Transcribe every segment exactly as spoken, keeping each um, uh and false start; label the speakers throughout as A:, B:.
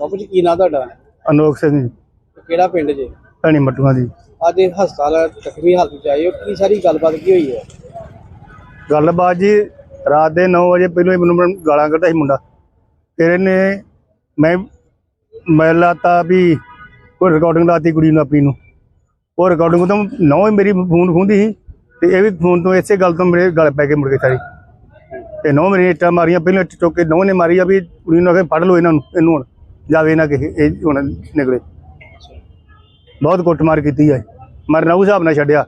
A: ਬਾਪੂ ਜੀ ਕੀ ਨਾਂ ਤੁਹਾਡਾ?
B: ਅਨੋਖ ਸਿੰਘ ਜੀ,
A: ਕਿਹੜਾ ਪਿੰਡ ਜੇ?
B: ਭੈਣੀ ਮੱਟੂਆਂ ਦੀ।
A: ਅੱਜ ਇਹ ਹਸਪਤਾਲ ਜ਼ਖਮੀ ਹਾਲਤ ਵਿੱਚ ਆਏ ਹੋ, ਕੀ ਸਾਰੀ ਗੱਲਬਾਤ ਕੀ ਹੋਈ ਹੈ?
B: ਗੱਲਬਾਤ ਜੀ ਰਾਤ ਦੇ ਨੌ ਵਜੇ ਪਹਿਲਾਂ ਹੀ ਮੈਨੂੰ ਗਾਲਾਂ ਕੱਢਦਾ ਸੀ ਮੁੰਡਾ। ਫਿਰ ਇਹਨੇ ਮੈਂ ਮੈਂ ਲਾਤਾ ਵੀ ਉਹ ਰਿਕਾਰਡਿੰਗ ਲਾਤੀ ਕੁੜੀ ਨੂੰ ਆਪਣੀ ਨੂੰ। ਉਹ ਰਿਕਾਰਡਿੰਗ ਤੋਂ ਨੌ ਹੀ ਮੇਰੀ ਫੋਨ ਖੁੰਦੀ ਸੀ ਤੇ ਇਹ ਵੀ ਫੋਨ ਤੋਂ ਇਸੇ ਗੱਲ ਤੋਂ ਮੇਰੇ ਗਲ ਪੈ ਕੇ ਮੁੜ ਕੇ ਸਾਰੀ ਤੇ ਨੌ ਮੇਰੀਆਂ ਇੱਟਾਂ ਮਾਰੀਆਂ। ਪਹਿਲਾਂ ਇੱਟ ਚੁੱਕ ਕੇ ਨੌ ਨੇ ਮਾਰੀ ਆ ਵੀ ਕੁੜੀ ਨੂੰ ਆ ਕੇ ਫੜ ਲਓ ਇਹਨਾਂ ਨੂੰ, ਇਹਨੂੰ ਹੁਣ ਜਾਵੇ ਨਾ ਕਿਸੇ ਇਹ ਹੁਣ ਨਿਕਲੇ। ਬਹੁਤ ਕੁੱਟਮਾਰ ਕੀਤੀ ਹੈ, ਮਰਨਾ ਉਸ ਹਿਸਾਬ ਨਾਲ ਛੱਡਿਆ।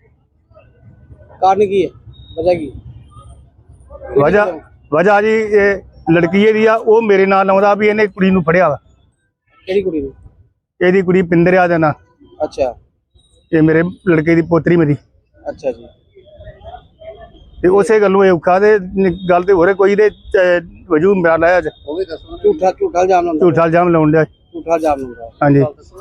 A: ਕਾਰਨ ਕੀ ਹੈ, ਵਜ੍ਹਾ ਕੀ?
B: ਵਜ੍ਹਾ ਵਜ੍ਹਾ ਜੀ ਇਹ ਲੜਕੀ ਇਹਦੀ ਆ, ਉਹ ਮੇਰੇ ਨਾਲ ਆਉਂਦਾ ਵੀ ਇਹਨੇ ਕੁੜੀ ਨੂੰ ਫੜਿਆ ਵਾ।
A: ਕਿਹੜੀ ਕੁੜੀ ਨੂੰ?
B: ਇਹਦੀ ਕੁੜੀ ਪਿੰਦਰਿਆ ਦਾ ਨਾਂ।
A: ਅੱਛਾ,
B: ਇਹ ਮੇਰੇ ਲੜਕੇ ਦੀ ਪੋਤਰੀ ਮੇਰੀ।
A: ਅੱਛਾ ਜੀ।
B: ਤੇ ਉਸੇ ਗੱਲੋਂ ਇਹ ਔਖਾ ਤੇ ਗੱਲ ਤੇ ਹੋ ਰਿਹਾ ਕੋਈ ਦੇ ਵਜੂ ਮੇਰਾ ਲਾਇਆ ਅੱਜ
A: ਉਹ ਵੀ ਦੱਸੋ। ਝੂਠਾ ਝੂਠਾ ਇਲਜ਼ਾਮ ਲਾਉਂਦਾ?
B: ਝੂਠਾ ਇਲਜ਼ਾਮ ਲਾਉਣ ਡਿਆ।
A: ਝੂਠਾ ਇਲਜ਼ਾਮ ਲਾਉਂਦਾ?
B: ਹਾਂਜੀ।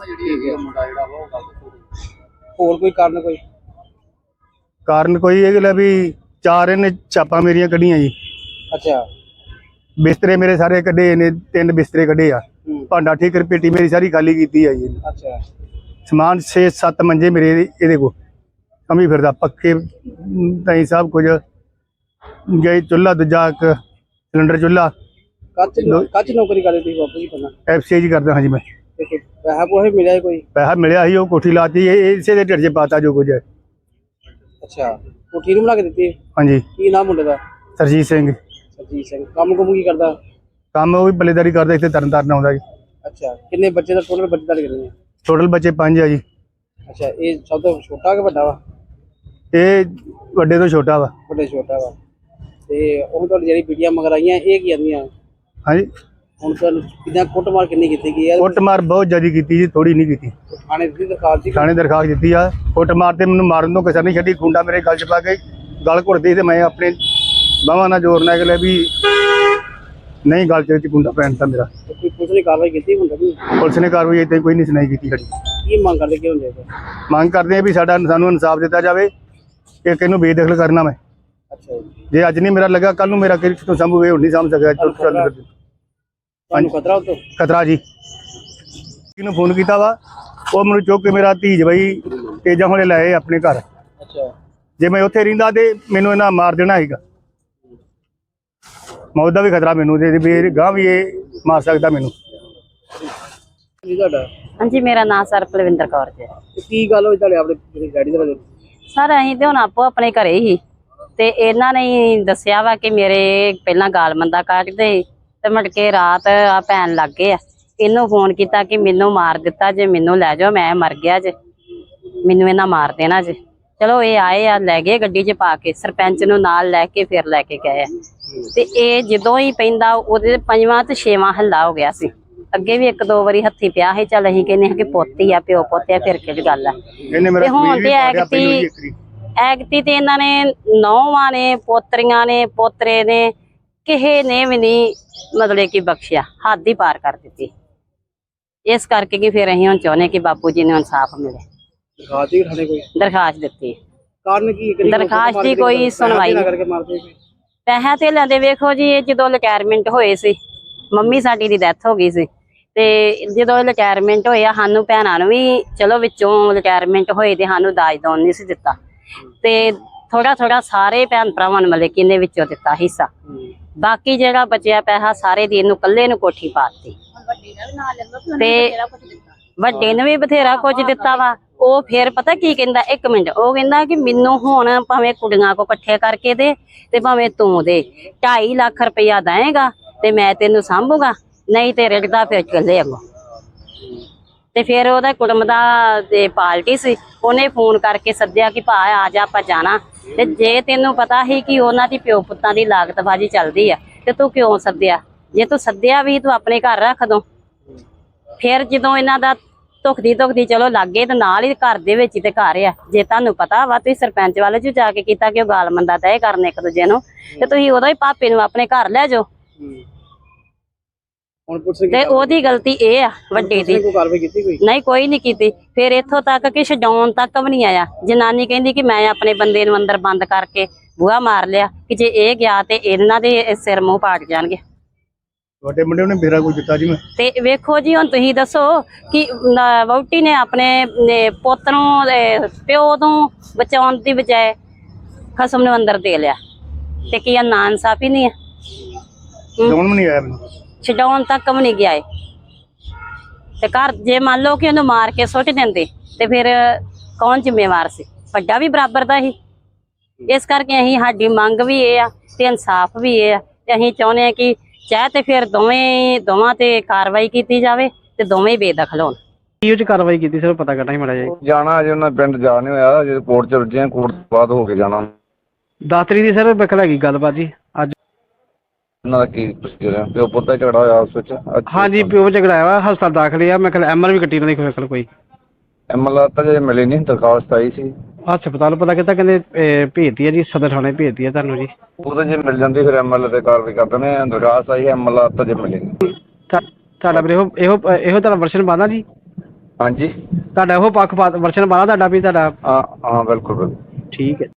A: ਹੋਰ ਕੋਈ ਕਾਰਨ? ਕੋਈ
B: ਕਾਰਨ ਕੋਈ ਇਹ ਗੱਲ ਵੀ ਚਾਰ ਇਹਨੇ ਛਾਪਾਂ ਮੇਰੀਆਂ ਕੱਢੀਆਂ ਜੀ।
A: ਅੱਛਾ।
B: ਬਿਸਤਰੇ ਮੇਰੇ ਸਾਰੇ ਕੱਢੇ ਨੇ, ਤਿੰਨ ਬਿਸਤਰੇ ਕੱਢੇ ਆ। ਭਾਂਡਾ ਠੀਕਰ ਪੇਟੀ ਮੇਰੀ ਸਾਰੀ ਖਾਲੀ ਕੀਤੀ ਆ ਜੀ।
A: ਅੱਛਾ।
B: ਸਮਾਨ ਛੇ ਸੱਤ ਮੰਜੇ ਮੇਰੇ ਇਹਦੇ ਕੋਲ ਕਮੀ ਫਿਰਦਾ, ਪੱਕੇ ਤਾਈ ਸਭ ਕੁਝ ਗਏ। ਚੁੱਲ੍ਹਾ ਦੂਜਾ ਇੱਕ ਸਿਲੰਡਰ ਚੁੱਲ੍ਹਾ।
A: ਕੱਚ ਕੱਚ ਨੌਕਰੀ ਕਰਦੇ ਤੁਸੀਂ ਬਾਪੂ ਜੀ ਪਹਿਲਾਂ?
B: ਐਫ ਸੀ ਜੀ ਕਰਦਾ ਹਾਂ ਜੀ ਮੈਂ।
A: ਤੇ ਕੋਈ ਪੈਸਾ ਪੂਸਾ ਮਿਲਿਆ ਕੋਈ?
B: ਪੈਸਾ ਮਿਲਿਆ ਸੀ, ਉਹ ਕੋਠੀ ਲਾਤੀ ਇਹ ਇਸੇ ਦੇ ਢਿੱਡ 'ਚ ਪਾਤਾ ਜੋ ਕੁਝ ਹੈ।
A: ਅੱਛਾ, ਕੋਠੀ ਨੂੰ ਬਣਾ ਕੇ ਦਿੱਤੀ?
B: ਹਾਂਜੀ।
A: ਕੀ ਨਾਮ ਮੁੰਡੇ ਦਾ?
B: ਸਰਜੀਤ ਸਿੰਘ।
A: ਸਰਜੀਤ ਸਿੰਘ। ਕੰਮ ਕੁਮ ਕੀ ਕਰਦਾ?
B: ਕੰਮ ਉਹ ਵੀ ਬੱਲੇਦਾਰੀ ਕਰਦਾ, ਇੱਥੇ ਤਰਨ ਤਾਰਨ ਆਉਂਦਾ ਜੀ।
A: ਅੱਛਾ, ਕਿੰਨੇ ਬੱਚੇ ਦਾ ਟੋਟਲ ਬੱਚੇ ਤੁਹਾਡੇ ਕਿੰਨੇ?
B: ਟੋਟਲ ਬੱਚੇ ਪੰਜ ਆ ਜੀ।
A: ਅੱਛਾ, ਇਹ ਸਭ ਤੋਂ ਛੋਟਾ ਕਿ ਵੱਡਾ ਵਾ?
B: ਇਹ ਵੱਡੇ ਤੋਂ ਛੋਟਾ ਵਾ।
A: ਵੱਡੇ ਛੋਟਾ ਵਾ। ਤੇ ਉਹ ਤੁਹਾਡੀ ਜਿਹੜੀ ਵੀਡੀਓ ਮਗਰ ਆਈਆਂ ਇਹ ਕੀ ਆਂਦੀਆਂ?
B: ਹਾਂਜੀ।
A: ਹੁਣ ਤੁਹਾਨੂੰ ਕਿੰਨਾ ਕੁੱਟਮਾਰ ਕਿੰਨੀ ਕੀਤੀ ਗਈ ਹੈ?
B: ਕੁੱਟਮਾਰ ਬਹੁਤ ਜ਼ਿਆਦਾ ਕੀਤੀ ਜੀ, ਥੋੜੀ ਨਹੀਂ ਕੀਤੀ।
A: ਥਾਣੇ ਦੀ ਦਰਖਾਸਤ ਸੀ?
B: ਥਾਣੇ ਦਰਖਾਸਤ ਦਿੱਤੀ ਆ। ਕੁੱਟਮਾਰ ਤੇ ਮੈਨੂੰ ਮਾਰਨ ਤੋਂ ਕਿਸੇ ਨਹੀਂ ਛੱਡੀ। ਖੁੰਡਾ ਮੇਰੇ ਗਲ 'ਚ ਪਾ ਕੇ ਗਲ ਘੁੱਟਦੀ ਤੇ ਮੈਂ ਆਪਣੇ ਬਾਹਾਂ ਨਾਲ ਜ਼ੋਰ ਨਾਲ ਅਗਲੇ ਵੀ ਨਹੀਂ ਗਲ 'ਚ ਖੁੰਡਾ ਪੈਣ ਤਾਂ ਮੇਰਾ।
A: ਕੋਈ ਪੁਲਿਸ ਨੇ ਕਾਰਵਾਈ ਕੀਤੀ ਹੁੰਦਾ?
B: ਪੁਲਿਸ ਨੇ ਕਾਰਵਾਈ ਇੱਥੇ ਕੋਈ ਨਹੀਂ ਸੁਣਾਈ ਕੀਤੀ ਸਾਡੀ।
A: ਕੀ ਮੰਗ ਕਰਦੇ? ਕੀ ਹੁੰਦੇ?
B: ਮੰਗ ਕਰਦੇ ਆ ਵੀ ਸਾਡਾ ਸਾਨੂੰ ਇਨਸਾਫ ਦਿੱਤਾ ਜਾਵੇ ਕਿ ਕਿਹਨੂੰ ਬੇਦਖਲ ਕਰਨਾ ਮੈਂ।
A: ਅੱਛਾ ਜੀ।
B: ਜੇ ਅੱਜ ਨਹੀਂ ਮੇਰਾ ਲੱਗਾ ਕੱਲ ਨੂੰ ਮੇਰਾ ਕਿੱਥੋਂ ਸੰਭੂ ਇਹ ਨਹੀਂ ਸਮਝ ਸਕਿਆ।
A: ਤੁਹਾਨੂੰ ਖਤਰਾ ਉਤੋਂ?
B: ਖਤਰਾ ਜੀ। ਕਿਹਨੂੰ ਫੋਨ ਕੀਤਾ ਵਾ ਉਹ ਮੈਨੂੰ ਚੁੱਕ ਕੇ ਮੇਰਾ ਧੀਜ ਬਈ ਤੇਜਾ ਹੋਣੇ ਲਾਏ ਆਪਣੇ ਘਰ।
A: ਅੱਛਾ। ਜੇ
B: ਮੈਂ ਉੱਥੇ ਰਹਿੰਦਾ ਤੇ ਮੈਨੂੰ ਇਹਨਾਂ ਮਾਰ ਦੇਣਾ ਸੀਗਾ। ਮੌਤ ਦਾ ਵੀ ਖਤਰਾ ਮੈਨੂੰ ਤੇ ਵੀ ਗਾਂ ਵੀ ਇਹ ਮਾਰ ਸਕਦਾ ਮੈਨੂੰ।
A: ਕੀ ਤੁਹਾਡਾ?
C: ਹਾਂਜੀ, ਮੇਰਾ ਨਾਮ ਸਰ ਪਲਵਿੰਦਰ ਕੌਰ ਜੀ।
A: ਕੀ ਗੱਲ ਹੋਈ ਤੁਹਾਡੇ ਆਪਣੇ ਡੈਡੀ ਦੇ ਬਾਰੇ?
C: ਸਰ ਅਸੀਂ ਤੇ ਹੁਣ ਆਪੋ ਆਪਣੇ ਘਰੇ ਹੀ ਤੇ ਇਹਨਾਂ ਨੇ ਹੀ ਦੱਸਿਆ ਵਾ ਕਿ ਮੇਰੇ ਪਹਿਲਾਂ ਗਾਲ ਮੰਦਾ ਕੱਢਦੇ ਤੇ ਮੁੜ ਕੇ ਰਾਤ ਆ ਪੈਣ ਲੱਗ ਗਏ ਆ। ਇਹਨੂੰ ਫੋਨ ਕੀਤਾ ਕਿ ਮੈਨੂੰ ਮਾਰ ਦਿੱਤਾ ਜੇ, ਮੈਨੂੰ ਲੈ ਜਾਓ, ਮੈਂ ਮਰ ਗਿਆ ਜੇ, ਮੈਨੂੰ ਇਹਨਾਂ ਮਾਰ ਦੇਣਾ ਜੇ। ਚਲੋ ਇਹ ਆਏ ਆ, ਲੈ ਗਏ ਗੱਡੀ 'ਚ ਪਾ ਕੇ, ਸਰਪੰਚ ਨੂੰ ਨਾਲ ਲੈ ਕੇ ਫਿਰ ਲੈ ਕੇ ਗਏ ਆ। ਤੇ ਇਹ ਜਦੋਂ ਹੀ ਪੈਂਦਾ ਉਹਦੇ ਪੰਜਵਾਂ ਤੇ ਛੇਵਾਂ ਹੱਲਾ ਹੋ ਗਿਆ ਸੀ। ਅੱਗੇ ਵੀ ਇੱਕ ਦੋ ਵਾਰੀ ਹੱਥੀ ਪਿਆ ਸੀ। ਚੱਲ ਅਸੀਂ ਕਹਿੰਦੇ ਹਾਂ ਕਿ ਪੋਤੀ ਆ, ਪਿਓ ਪੋਤੇ ਆ, ਫਿਰ ਕਿਹੜੀ ਗੱਲ ਆ। ਤੇ ਹੁਣ ਤੇ ਐਗਤੀ ਐਗਤੀ ਤੇ ਇਹਨਾਂ ਨੇ ਨੌਵਾਂ ਨੇ, ਪੋਤਰੀਆਂ ਨੇ, ਪੋਤਰੇ ਨੇ, ਕਿਸੇ ਨੇ ਵੀ ਨਹੀਂ ਮਤਲਬ ਕਿ ਬਖਸ਼ਿਆ, ਹੱਦ ਹੀ ਪਾਰ ਕਰ ਦਿੱਤੀ। ਇਸ ਕਰਕੇ ਕਿ ਫਿਰ ਅਸੀਂ ਹੁਣ ਚਾਹੁੰਦੇ ਕਿ ਬਾਪੂ ਜੀ ਨੂੰ ਇਨਸਾਫ ਮਿਲੇ। ਦਰਖਾਸਤ ਦਿੱਤੀ।
A: ਕਾਰਨ ਕੀ?
C: ਦਰਖਾਸਤ ਦੀ ਕੋਈ ਸੁਣਵਾਈ ਨਹੀਂ। ਪੈਸਾ ਤੇ ਲੈਂਦੇ ਵੇਖੋ ਜੀ, ਇਹ ਜਦੋਂ ਰਿਟਾਇਰਮੈਂਟ ਹੋਏ ਸੀ, ਮੰਮੀ ਸਾਡੀ ਦੀ ਡੈਥ ਹੋ ਗਈ ਸੀ ਤੇ ਜਦੋਂ ਰਿਟਾਇਰਮੈਂਟ ਹੋਇਆ ਸਾਨੂੰ ਭੈਣਾਂ ਨੂੰ ਵੀ ਚਲੋ ਵਿੱਚੋਂ ਰਿਟਾਇਰਮੈਂਟ ਹੋਏ ਤੇ ਸਾਨੂੰ ਦਾਜ ਦੋਨ ਨਹੀਂ ਸੀ ਦਿੱਤਾ ਤੇ ਥੋੜਾ ਥੋੜਾ ਸਾਰੇ ਭੈਣ ਭਰਾਵਾਂ ਨੂੰ ਮਤਲਬ ਕਿ ਇਹਨੇ ਵਿੱਚੋਂ ਦਿੱਤਾ ਹਿੱਸਾ। ਬਾਕੀ ਜਿਹੜਾ ਬਚਿਆ ਪੈਸਾ ਸਾਰੇ ਦੀ ਇਹਨੂੰ ਇਕੱਲੇ ਨੂੰ ਕੋਠੀ ਪਾਤੀ ਤੇ ਵੱਡੇ ਨੇ ਵੀ ਬਥੇਰਾ ਕੁਝ ਦਿੱਤਾ ਵਾ। ਉਹ ਫਿਰ ਪਤਾ ਕੀ ਕਹਿੰਦਾ, ਇੱਕ ਮਿੰਟ, ਉਹ ਕਹਿੰਦਾ ਕਿ ਮੈਨੂੰ ਹੁਣ ਭਾਵੇਂ ਕੁੜੀਆਂ ਕੋ ਇਕੱਠੇ ਕਰਕੇ ਦੇ ਤੇ ਭਾਵੇਂ ਤੂੰ ਦੇ, ਢਾਈ ਲੱਖ ਰੁਪਇਆ ਦੇਏਗਾ ਤੇ ਮੈਂ ਤੈਨੂੰ ਸਾਂਭੂਗਾ, ਨਹੀਂ ਤੇ ਰਿੜਦਾ ਫਿਰ ਚੱਲੇ ਅੱਗੋਂ। ਤੇ ਫਿਰ ਉਹਦਾ ਕੁੜਮ ਦਾ ਤੇ ਪਾਰਟੀ ਸੀ, ਉਹਨੇ ਫੋਨ ਕਰਕੇ ਸੱਦਿਆ ਕਿ ਭਾ ਆ ਜਾ ਆਪਾਂ ਜਾਣਾ। ਤੇ ਜੇ ਤੈਨੂੰ ਪਤਾ ਸੀ ਕਿ ਉਹਨਾਂ ਦੀ ਪਿਓ ਪੁੱਤਾਂ ਦੀ ਲਾਗਤਬਾਜ਼ੀ ਚੱਲਦੀ ਆ ਤੇ ਤੂੰ ਕਿਉਂ ਸੱਦਿਆ? ਜੇ ਤੂੰ ਸੱਦਿਆ ਵੀ ਤੂੰ ਆਪਣੇ ਘਰ ਰੱਖ ਦੋ। ਫਿਰ ਜਦੋਂ ਇਹਨਾਂ ਦਾ ਧੁਖਦੀ ਧੁਖਦੀ ਚਲੋ ਲੱਗੇ ਤੇ ਨਾਲ ਹੀ ਘਰ ਦੇ ਵਿੱਚ ਹੀ ਤੇ ਘਰ ਆ। ਜੇ ਤੁਹਾਨੂੰ ਪਤਾ ਵਾ ਤੁਸੀਂ ਸਰਪੰਚ ਵਾਲੇ ਚ ਜਾ ਕੇ ਕੀਤਾ ਕਿ ਉਹ ਗਾਲ ਮੰਦਾ ਤੈਅ ਕਰਨ ਇੱਕ ਦੂਜੇ ਨੂੰ, ਤੇ ਤੁਸੀਂ ਉਦੋਂ ਹੀ ਭਾਪੇ ਨੂੰ ਆਪਣੇ ਘਰ ਲੈ ਜਾਓ। ਤੇ ਉਹਦੀ ਗਲਤੀ ਇਹ ਆ ਵੱਡੇ ਦੀ। ਨਹੀਂ, ਕੋਈ ਨਹੀਂ ਕੀਤੀ। ਫਿਰ ਇੱਥੋਂ ਤੱਕ ਕਿ ਛਡਾਉਣ ਤੱਕ ਵੀ ਨਹੀਂ ਆਇਆ। ਜਨਾਨੀ ਕਹਿੰਦੀ ਕਿ ਮੈਂ ਆਪਣੇ ਬੰਦੇ ਨੂੰ ਅੰਦਰ ਬੰਦ ਕਰਕੇ ਬੂਹਾ ਮਾਰ ਲਿਆ ਕਿ ਜੇ ਇਹ ਗਿਆ ਤੇ ਇਹਨਾਂ ਦੇ ਸਿਰ ਮੂੰਹ ਪਾਟ ਜਾਣਗੇ।
B: ਤੁਹਾਡੇ ਮੁੰਡੇ ਨੇ ਮੇਰਾ ਕੋਈ ਦਿੱਤਾ ਜੀ ਮੈਂ
C: ਤੇ ਵੇਖੋ ਜੀ ਹੁਣ ਤੁਸੀਂ ਦੱਸੋ ਕਿ ਨ- ਵਹੁਟੀ ਨੇ ਆਪਣੇ ਨੇ ਪੁੱਤ ਨੂੰ ਅਹ, ਪਿਓ ਤੋਂ ਬਚਾਉਣ ਦੀ ਬਜਾਏ ਖਸਮ ਨੂੰ ਅੰਦਰ ਦੇ ਲਿਆ ਤੇ ਕੀ ਇਹ ਨਾ ਇਨਸਾਫੀ ਨਹੀਂ ਹੈ?
B: ਕੌਣ ਵੀ ਨਹੀਂ ਆਇਆ ਮੈਨੂੰ
C: ਛਡਾਉਣ ਤੱਕ ਵੀ ਨਹੀਂ ਗਿਆ ਏ ਤੇ ਘਰ ਜੇ ਮੰਨ ਲਓ ਕਿ ਉਹਨੂੰ ਮਾਰ ਕੇ ਸੁੱਟ ਦਿੰਦੇ ਤੇ ਫਿਰ ਕੌਣ ਜ਼ਿੰਮੇਵਾਰ ਸੀ? ਵੱਡਾ ਵੀ ਬਰਾਬਰ ਦਾ ਹੀ। ਇਸ ਕਰਕੇ ਅਸੀਂ ਸਾਡੀ ਮੰਗ ਵੀ ਇਹ ਆ ਤੇ ਇਨਸਾਫ ਵੀ ਇਹ ਆ ਤੇ ਅਸੀਂ ਚਾਹੁੰਦੇ ਆ ਕਿ ਚਾਹੇ ਤੇ ਫਿਰ ਦੋਵੇਂ ਦੋਵਾਂ ਤੇ ਕਾਰਵਾਈ ਕੀਤੀ ਜਾਵੇ ਤੇ ਦੋਵੇਂ ਹੀ ਬੇਦਖਲ ਹੋਣ।
A: ਕੀ ਉਹ ਚ ਕਾਰਵਾਈ ਕੀਤੀ ਸਰ ਪਤਾ ਕਰਨਾ ਹੀ ਮੜਾ ਜੀ।
D: ਜਾਣਾ ਅਜੇ ਉਹਨਾਂ ਪਿੰਡ ਜਾ ਨਹੀਂ ਹੋਇਆ, ਜੇ ਕੋਰਟ ਚ ਰੁੱਝੇ ਕੋਰਟ ਤੋਂ ਬਾਅਦ ਹੋ ਕੇ ਜਾਣਾ।
A: ਦਸ ਤਰੀਕ ਦੀ ਸਰ ਬਖਲ ਹੈਗੀ ਗੱਲਬਾਤ ਜੀ ਅੱਜ।
D: ਉਹਨਾਂ ਦਾ ਕੀ ਪ੍ਰੋਸੀਜਰ ਹੈ? ਪਿਓ ਪੁੱਤ ਦਾ ਝਗੜਾ ਹੋਇਆ ਉਸ ਵਿੱਚ ਅੱਜ?
A: ਹਾਂਜੀ ਪਿਓ ਝਗੜਾ ਵਾ, ਹਸਪਤਾਲ ਦਾਖਲ ਆ। ਮੈਂ ਖਿਆਲ ਐਮਆਰ ਵੀ ਕੱਟੀ ਉਹਨਾਂ ਦੀ ਕੋਲ ਕੋਈ
D: ਐਮਐਲਆਰ ਤਾਂ ਜੇ ਮਿਲੀ ਨਹੀਂ, ਦਰਖਾਸਤ ਆਈ ਸੀ।
A: ਹਸਪਤਾਲ ਪਤਾ ਕੀਤਾ ਕਹਿੰਦੇ ਅਹ, ਭੇਜਦੀ ਹੈ ਜੀ, ਸਦਰ ਥਾਣੇ ਭੇਜਦੀ ਹੈ ਤੁਹਾਨੂੰ ਜੀ।
D: ਉਹ ਤਾਂ ਜੇ ਮਿਲ ਜਾਂਦੀ ਫਿਰ ਐਮਐਲਏ ਤੇ ਕਾਰਵਾਈ ਕਰ ਦਿੰਦੇ ਆ। ਦਰਖਾਸਤ ਆਈ, ਐਮਐਲਆਰ ਤਾਂ ਜੇ ਮਿਲੀ ਨਹੀਂ।
A: ਤੁਹਾ- ਤੁਹਾਡਾ ਫਿਰ ਇਹੋ ਇਹੋ ਇਹੋ ਤੁਹਾਡਾ ਵਰਸ਼ਨ ਬਣਦਾ ਜੀ?
D: ਹਾਂਜੀ
A: ਤੁਹਾਡਾ ਇਹੋ ਪੱਖ ਵਰਸ਼ਨ ਬਣਦਾ ਤੁਹਾਡਾ ਵੀ ਤੁਹਾਡਾ?
D: ਹਾਂ ਹਾਂ ਬਿਲਕੁਲ ਬਿਲਕੁਲ
A: ਠੀਕ ਹੈ।